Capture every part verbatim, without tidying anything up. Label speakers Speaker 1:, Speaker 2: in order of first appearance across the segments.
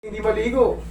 Speaker 1: Hindi maligo.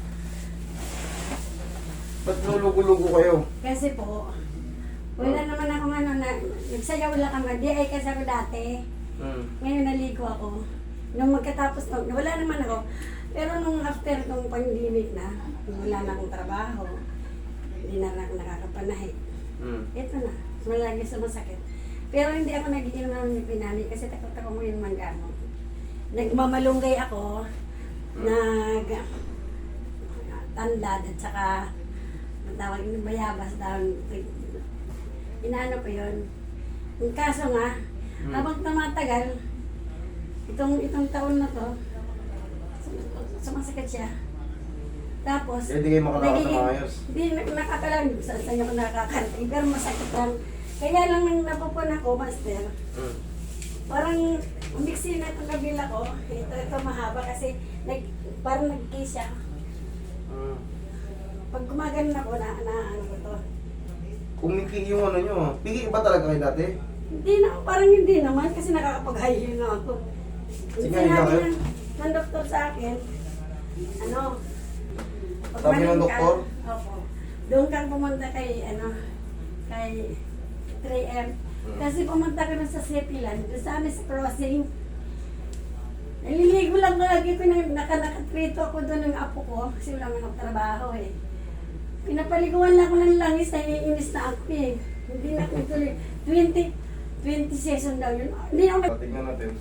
Speaker 1: Ba't nulugo-lugo kayo?
Speaker 2: Kasi po, wala naman ako ano, na, nagsayaw lang ako, di ay kasi ako dati.
Speaker 1: Hmm.
Speaker 2: Ngayon naligo ako. Nung magkatapos, nung, wala naman ako. Pero nung after nung pandemic na, wala na akong trabaho, hindi na lang ako nakakapanahi.
Speaker 1: Hmm.
Speaker 2: Ito na, malagi sumasakit. Pero hindi ako nag-iinom ng pinani kasi takot ako mo yung manggamot. Nagmamalunggay ako, nag tandad at saka matawag yung bayabas down. Inaano ko yun. Yung kaso nga,
Speaker 1: Hmm.
Speaker 2: habang tumatagal, itong itong taon na to, sum- sumasakit siya. Tapos,
Speaker 1: Eh, di kayo makalakad na
Speaker 2: nagiging-
Speaker 1: maayos.
Speaker 2: Hindi, nakakalang, sa sa'yo ko nakakarating, pero masakit lang. Kaya lang nang napupun ako, master,
Speaker 1: Hmm.
Speaker 2: parang umiksi na itong kabila ko. Ito, ito mahaba kasi nag, parang nag-kiss siya.
Speaker 1: Hmm.
Speaker 2: Pag gumagano ako, na, na ano ko to.
Speaker 1: Kumiki yung ano nyo. Piki ba talaga kayo dati?
Speaker 2: Hindi na, parang hindi naman kasi nakakapag-high heel na ako.
Speaker 1: Sige,
Speaker 2: Sinabi
Speaker 1: ikaw, eh.
Speaker 2: ng, ng doktor sa akin, ano, pag
Speaker 1: Sabi ng
Speaker 2: maling ka-
Speaker 1: doktor?
Speaker 2: Opo. Doon kang pumunta kay, ano, kay three M.
Speaker 1: Hmm.
Speaker 2: Kasi pumunta ka na sa Sepilan, doon sa amin sa crossing. Naliligo lang lagi ko na naka-nakatrito ako doon ng apo ko kasi wala nang trabaho eh. Pinapaliguan lang ako ng langis, naiinis na ako eh. Hindi na ako tuloy. twenty, twenty session daw yun. Hindi ako nag...
Speaker 1: Tingnan natin.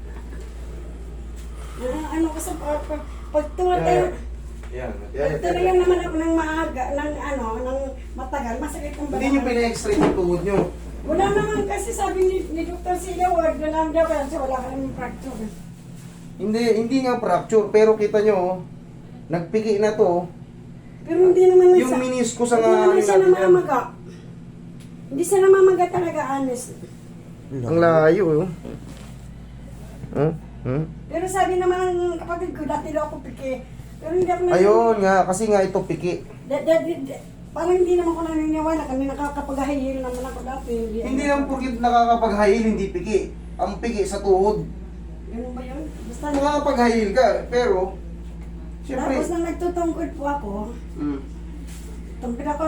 Speaker 2: Ah, ano ko sa pag, pag, pag tumatayo.
Speaker 1: Yan.
Speaker 2: Pag
Speaker 1: Yan.
Speaker 2: tumayo naman ako ng maaga, ng ano, ng matagal, masakit ang
Speaker 1: Hindi nyo pina-x-ray yung tuhod nyo.
Speaker 2: Wala naman kasi sabi ni, ni Doctor Sila, wag na lang daw kasi wala ka naman fracture.
Speaker 1: Hindi, hindi nga fracture. Pero kita nyo, oh, nagpiki na to.
Speaker 2: Pero hindi naman
Speaker 1: Yung meniscus ang
Speaker 2: hindi
Speaker 1: ano
Speaker 2: naman siya
Speaker 1: natin yan.
Speaker 2: namamaga. Hindi siya namamaga talaga, honest.
Speaker 1: Ang layo, oh. Hmm? Hmm?
Speaker 2: Pero sabi naman ng kapatid ko, dati daw ako piki. Pero hindi ako
Speaker 1: Ayun nga, kasi nga ito piki.
Speaker 2: Da, da, da, da, parang hindi naman ko naniniwala kasi nakakapag-hihil naman ako dati.
Speaker 1: Hindi lang porkit nakakapag-high hindi piki. Ang piki sa tuhod.
Speaker 2: Ganun ba yun? Basta
Speaker 1: Nakakapag-high ka, pero siyempre.
Speaker 2: tapos nang nagtutungkod po ako,
Speaker 1: Mm.
Speaker 2: tumpid ako.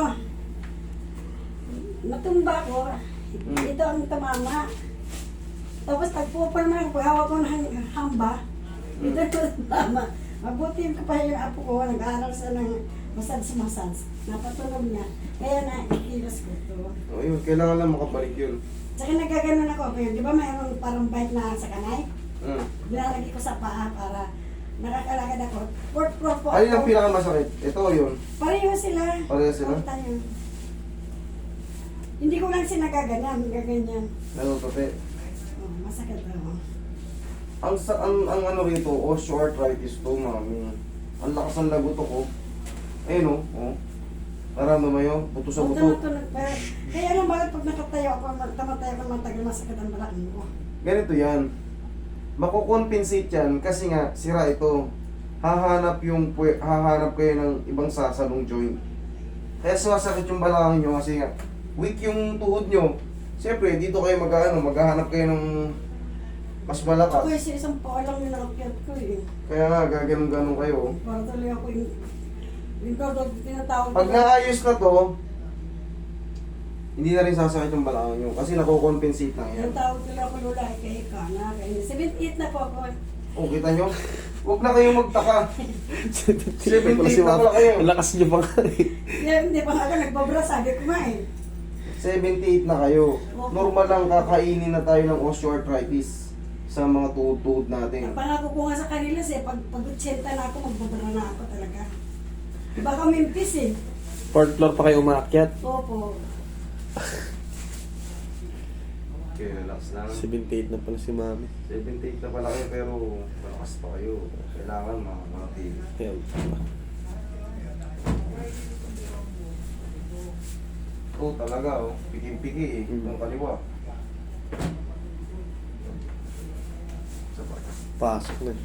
Speaker 2: Natumba ako.
Speaker 1: Mm.
Speaker 2: Ito ang tumama. Tapos tagpupalma ako, hawak ko ng hamba. Ito ang tumama. Mabuti ko pa yung apo ko, nag-aaral sa ng massage-massage. Napatulog niya. Kaya na ikilos ko ito.
Speaker 1: Oh, yun, kailangan lang makabalik yun.
Speaker 2: Tsaka nagaganon ako. Kaya di ba mayroong parang bike na sa kanay?
Speaker 1: Mm.
Speaker 2: Nilalagay ko sa paa para nakakalakad ako. Fourth floor po
Speaker 1: Alin ang
Speaker 2: ako.
Speaker 1: pinakamasakit? Ito yun.
Speaker 2: Pareho sila.
Speaker 1: Pareho sila?
Speaker 2: Punta yun. Hindi ko lang sinagaganyan, gaganyan.
Speaker 1: Nalutote.
Speaker 2: Oh, masakit ako.
Speaker 1: Ang, sa, ang, ang ano rito, osteoarthritis to, mami. Ang lakas ng lagoto ko. Ayun, oh. oh. Naramdaman mo yun? Buto sa buto.
Speaker 2: Tumutunog pa. Kaya alam bakit pag nakatayo ako, tamatayo ako matagal, masakit ang balakang ko.
Speaker 1: Ganito yan. Makukompensate yan kasi nga, sira ito. Hahanap yung, pwe- hahanap kayo ng ibang sasalong joint. Kaya sumasakit yung balakang nyo kasi nga, weak yung tuhod nyo. Siyempre, dito kayo mag-ano, maghahanap kayo ng mas
Speaker 2: Ako
Speaker 1: malakas.
Speaker 2: kasi isang paa lang yung nakakyat ko eh.
Speaker 1: Kaya nga, gaganon-ganon kayo.
Speaker 2: Para tuloy ako yung... Yung tawag, tinatawag
Speaker 1: Pag naayos na to, hindi na rin sasakit yung balakang nyo kasi nakukompensate lang yan.
Speaker 2: Yung tawag nila ako lula, kaya ikaw na. seventy-eight na po ako.
Speaker 1: O, kita nyo? Huwag na kayong magtaka. seventy-eight na pala kayo.
Speaker 3: Ang lakas niyo pa nga eh.
Speaker 2: Hindi, hindi pa nga ako nagbabra, sabi ko nga eh.
Speaker 1: seventy-eight na kayo. Normal lang kakainin na tayo ng osteoarthritis sa mga tuhod-tuhod natin.
Speaker 2: Ang pangako ko nga sa kanila siya, pag pag-ochenta na ako, magbabara na ako talaga. Baka mimpis eh.
Speaker 3: Fourth floor pa kayo umaakyat.
Speaker 2: Opo.
Speaker 1: Okay, relax lang.
Speaker 3: seventy-eight na pala si mami.
Speaker 1: seventy-eight na pala kayo pero malakas pa kayo. Kailangan makamanatili.
Speaker 3: Ayan.
Speaker 1: Oo, talaga oh. Piking-piki eh.
Speaker 3: Mm.
Speaker 1: Yung kaliwa. Sabay.
Speaker 3: Pasok na.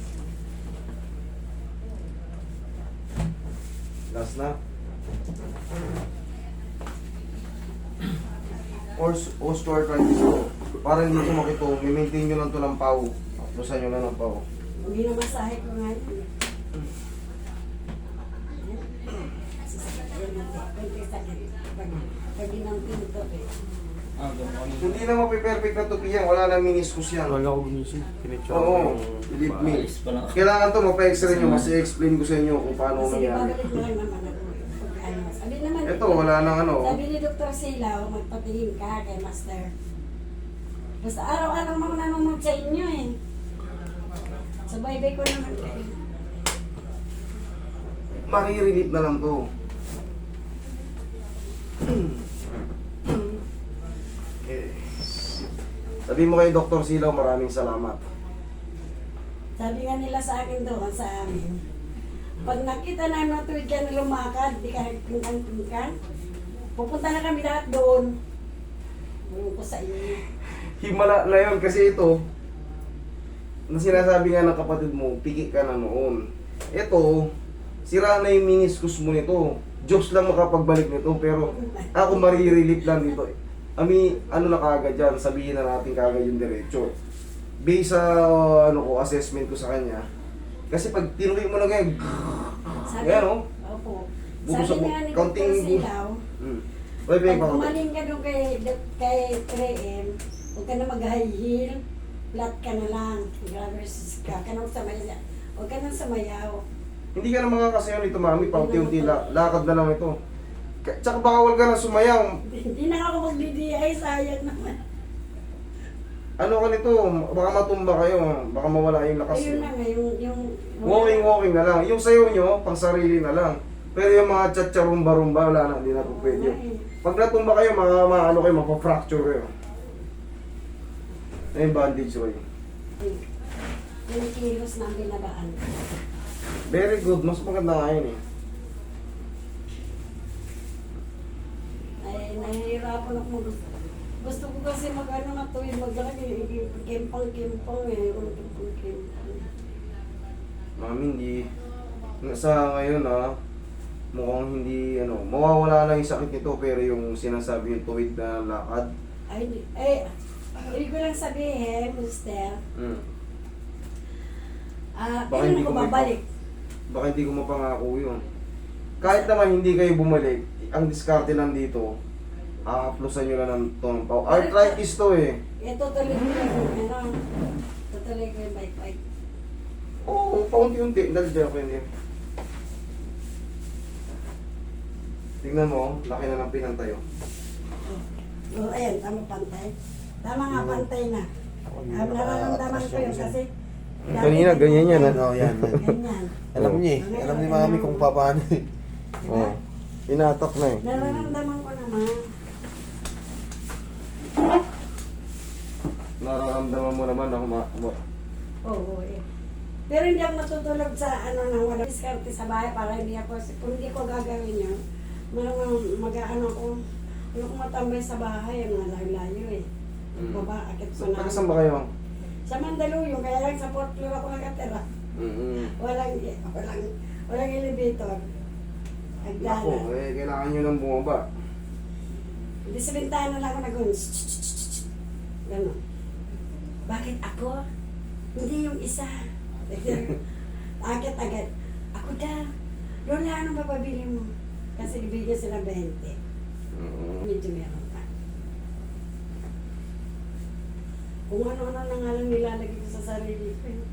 Speaker 1: Last na. Os osteoarthritis ko. Para hindi ko makito, i-maintain nyo lang to ng pau. Lusan nyo lang ng pau.
Speaker 2: Hindi na masahe ko nga yun. Hindi, kunti sakit. Pag, pag ginampin ito eh.
Speaker 4: Ah, ganun.
Speaker 1: Hindi na mapiperfect na tupi yan, wala na meniscus yan.
Speaker 3: Wala ko gumising. Pinitsura ko
Speaker 1: Oo,
Speaker 3: yung
Speaker 1: believe me.
Speaker 4: Maalis pa lang.
Speaker 1: Kailangan to mapa-x-ray nyo kasi explain ko sa inyo kung paano
Speaker 2: Kasi
Speaker 1: nangyari.
Speaker 2: babalik mo lang naman ako. Pag ano. Sabi naman,
Speaker 1: Ito, wala nang ano.
Speaker 2: sabi ni Doktor Silaw, magpatingin ka kay Master. Basta araw-araw mo nanonood sa inyo eh. Subaybay ko naman kayo.
Speaker 1: Marirelate na lang to. Okay. Sabi mo kay Doktor Silaw, maraming salamat.
Speaker 2: Sabi nga nila sa akin doon, sa amin, pag nakita namin na tuwid ka na lumakad, di ka nagpingkan-pingkan, pupunta na kami lahat doon. Ewan ko sa inyo.
Speaker 1: Himala na yun kasi ito, na sinasabi nga ng kapatid mo, piki ka na noon. Ito, sira na yung meniscus mo nito. Diyos lang makapagbalik nito, pero ako marirelate lang dito. Ami, ano na kagad dyan, sabihin na natin kagad yung diretso. Based sa ano ko, assessment ko sa kanya, kasi pag tinuloy mo na ganyan,
Speaker 2: Sabi,
Speaker 1: Ayan, oh.
Speaker 2: Opo.
Speaker 1: Bubusok
Speaker 2: Sabi
Speaker 1: mo.
Speaker 2: nga ni
Speaker 1: Kaunting
Speaker 2: Doktor
Speaker 1: bu-
Speaker 2: Silaw,
Speaker 1: hmm. Oy,
Speaker 2: pag
Speaker 1: Beng,
Speaker 2: umaling ka doon kay, kay three M, huwag ka na mag-high heel, flat ka na lang, grabbers ka, ka nang samayaw, huwag ka nang samayaw.
Speaker 1: hindi ka na makakasayaw nito, mami, paunti-unti la, lakad na lang ito. K- Tsaka bawal ka na sumayaw.
Speaker 2: Hindi na ako mag-D D I, sayang naman.
Speaker 1: Ano ka nito, baka matumba kayo, baka mawala yung lakas
Speaker 2: Ayun
Speaker 1: niyo.
Speaker 2: na nga, yung... yung
Speaker 1: Walking, walking na lang. Yung sayo nyo, pang sarili na lang. Pero yung mga tsatsarumba-rumba, wala na, hindi na po pwede yun. Pag natumba kayo, mga, mga ano kayo, mapafracture kayo. Ay, yung bandage ko yun.
Speaker 2: Yung kilos na ang binabaan.
Speaker 1: Very good, mas maganda nga yun eh.
Speaker 2: Ay, nahihirapan ako mag... Gusto ko kasi mag-ano na tuwid, maglaki, kimpang-kimpang eh, kimpang-kimpang.
Speaker 1: Mami, hindi. Sa ngayon ah, mukhang hindi, ano, mawawala lang yung sakit nito, pero yung sinasabi yung tuwid na lakad.
Speaker 2: Ay, di- eh, ibig ko lang sabihin, Mister,
Speaker 1: Hmm.
Speaker 2: ah,
Speaker 1: Baka
Speaker 2: kailan
Speaker 1: hindi
Speaker 2: ako
Speaker 1: ko may-
Speaker 2: babalik?
Speaker 1: Baka hindi ko mapangako yun. Kahit naman hindi kayo bumalik, ang diskarte lang dito, aaplusan nyo lang ng tonong pao. Arthritis to eh.
Speaker 2: Eh, tutuloy ko yung, ano, tutuloy ko yung bike-bike.
Speaker 1: Oo, paunti-unti. Dahil dyan ako hindi. Tingnan mo, laki na ng pinantayo.
Speaker 2: Oh, ayan, tama pantay. Tama nga, pantay na.
Speaker 3: Hindi
Speaker 2: Ah, nararamdaman ko yun kasi... dati-
Speaker 1: Kanina, ganyan yan,
Speaker 3: Oo, yan.
Speaker 2: Ganyan.
Speaker 3: Alam niya eh. Alam ni mami kung paano eh.
Speaker 2: Diba?
Speaker 1: Oo. Pinatak na eh.
Speaker 2: Nararamdaman ko naman.
Speaker 1: Nararamdaman mo naman ako ma... ma-
Speaker 2: Oo, eh. Pero hindi ako matutulog sa ano nang wala diskarte sa bahay para hindi ako, kung hindi ko gagawin yun, malamang mag-ano ko, ano ko matambay sa bahay, ang layo-layo eh.
Speaker 1: Mm.
Speaker 2: Baba, akit
Speaker 1: So,
Speaker 2: pa
Speaker 1: taga
Speaker 2: na.
Speaker 1: saan ba kayo?
Speaker 2: Sa Mandaluyong, kaya lang sa fourth floor ako nakatira.
Speaker 1: Mm-hmm.
Speaker 2: Walang, walang, walang elevator.
Speaker 1: Ako,
Speaker 2: Agdala.
Speaker 1: eh, kailangan nyo nang bumaba.
Speaker 2: Hindi sa bintana lang ako nag-un. Gano'n. Bakit ako? Hindi yung isa. Akit agad. Ako daw. Lola, anong papabili mo? Kasi bigyan sila twenty.
Speaker 1: Mm-hmm.
Speaker 2: Medyo meron pa. Kung ano-ano na nga lang nilalagay ko sa sarili ko. eh.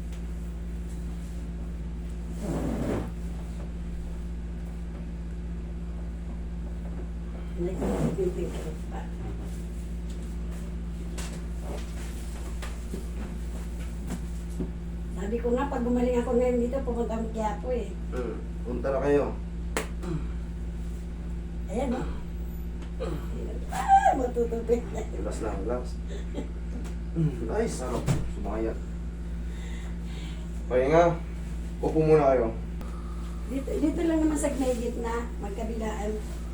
Speaker 2: Nagtitinting ko pa. Sabi ko nga, pag gumaling ako ngayon dito, pupunta ang Quiapo eh.
Speaker 1: Mm. Punta na kayo.
Speaker 2: Ayan o. Ah, matutupit na.
Speaker 1: Relax lang, relax. Mm, Ay, sarap. Sumaya. Pahinga. Upo muna kayo.
Speaker 2: Dito, dito lang naman sa may gitna, magkabilaan.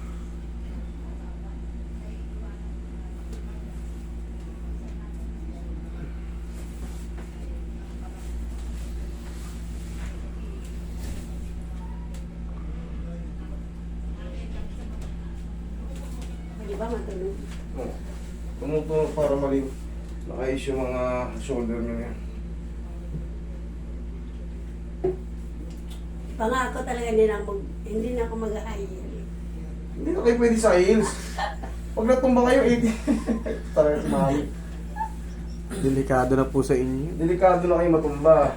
Speaker 2: Di ba matulog?
Speaker 1: Oh. Tumutunog para malim. Nakayos yung mga shoulder nyo yan.
Speaker 2: Pangako talaga hindi na ako, hindi na ako mag-aayil.
Speaker 1: Hindi na kayo pwede sa heels. Pag natumba kayo, eighty. Talaga si Mami.
Speaker 3: Delikado na po sa inyo.
Speaker 1: Delikado na kayo matumba.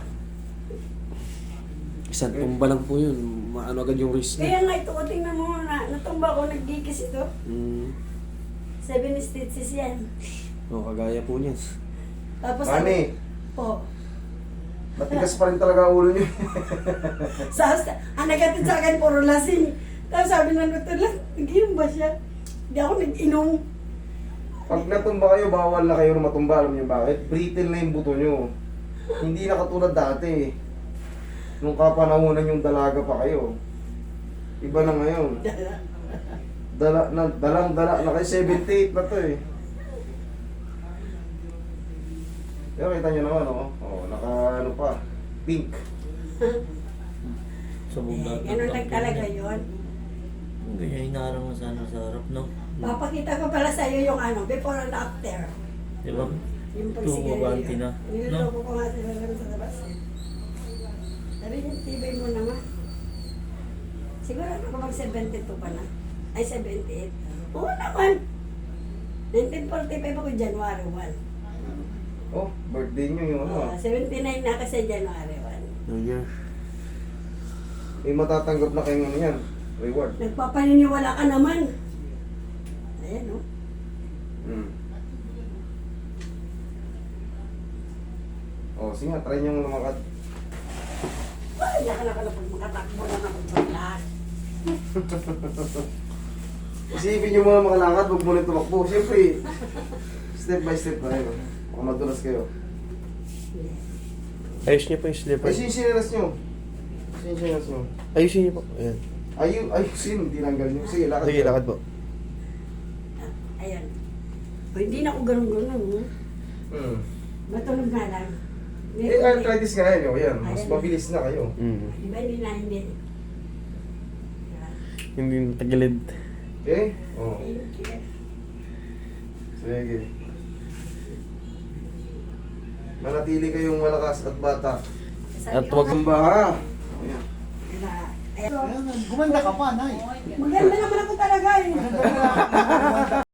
Speaker 3: Isang tumba lang po yun. Maano agad yung risk
Speaker 2: Kaya
Speaker 3: niya.
Speaker 2: nga ito, tingnan mo na, natumba ko, nagkikis ito.
Speaker 3: Mm.
Speaker 2: Seven stitches yan.
Speaker 3: O, kagaya po niyan.
Speaker 2: Tapos,
Speaker 1: Mami,
Speaker 2: po,
Speaker 1: matigas pa rin talaga ang ulo niyo.
Speaker 2: sa ang nagatid sa akin, puro lasing. Tapos sabi ng doktor lang, nag-inom ba siya? Hindi ako nag-inom.
Speaker 1: Pag natumba kayo, bawal na kayo na matumba. Alam niyo bakit? Brittle na yung buto niyo. Hindi na katulad dati. Nung kapanahonan yung dalaga pa kayo. Iba na ngayon. Dala, na, dalang dala na kayo. seventy-eight na to eh. Pero kita nyo naman, oh. Oh, naka ano pa. Pink.
Speaker 4: Sa
Speaker 2: Eh, ganun lang talaga yun.
Speaker 4: Ganyan hinarang mo sana sa harap, no?
Speaker 2: Papakita ko pala sa iyo yung ano, before and after.
Speaker 4: Di ba?
Speaker 2: Yung
Speaker 4: Tumaganti na.
Speaker 2: Niloloko ko nga sila lang sa labas. Sabi niya, tibay mo naman. Siguro ako mag seventy-two pa na. Ay, seventy-eight. Oo naman. nineteen forty-five ako, January first.
Speaker 1: Oh, birthday nyo yung ano.
Speaker 2: Uh,
Speaker 1: ah.
Speaker 2: seventy-nine na kasi January first.
Speaker 3: New Year.
Speaker 1: May matatanggap na kayong ano yan. Reward.
Speaker 2: Nagpapaniniwala ka naman. Ayan, oh.
Speaker 1: Hmm. Oh, sige nga, try nyo lumakad.
Speaker 2: Ay, naka na pala pag makatakbo na ako sa lahat.
Speaker 1: Isipin nyo muna makalakad, huwag muna tumakbo. Siyempre, step by step na yun. Baka madulas kayo.
Speaker 3: Ayos niyo po yung slipper.
Speaker 1: Ayusin yung sinilas nyo. Ayusin yung sinilas nyo.
Speaker 3: Ayusin niyo po. Ayan.
Speaker 1: Ayun, ayusin, tinanggal nyo. Sige, lakad.
Speaker 3: Sige,
Speaker 1: kayo.
Speaker 3: lakad po.
Speaker 2: Ah, ayan. O, hindi na ako ganun-ganun. oh.
Speaker 1: Hmm.
Speaker 2: Matulog na lang. May-
Speaker 1: Eh, arthritis nga yan. Oh, yan. Mas
Speaker 2: Ayan.
Speaker 1: mabilis na kayo.
Speaker 3: Mm.
Speaker 2: Diba hindi na hindi. Ah,
Speaker 3: Hindi tagilid.
Speaker 1: Okay? Oh.
Speaker 2: thank you.
Speaker 1: Sige. Manatili kayong malakas at bata.
Speaker 2: Sabi
Speaker 3: At
Speaker 2: ko
Speaker 3: wag-
Speaker 2: nga,
Speaker 1: Tumba ha. Ayan.
Speaker 2: na- ayan.
Speaker 5: Gumanda ka pa, Nay.
Speaker 2: Maganda naman ako talaga eh.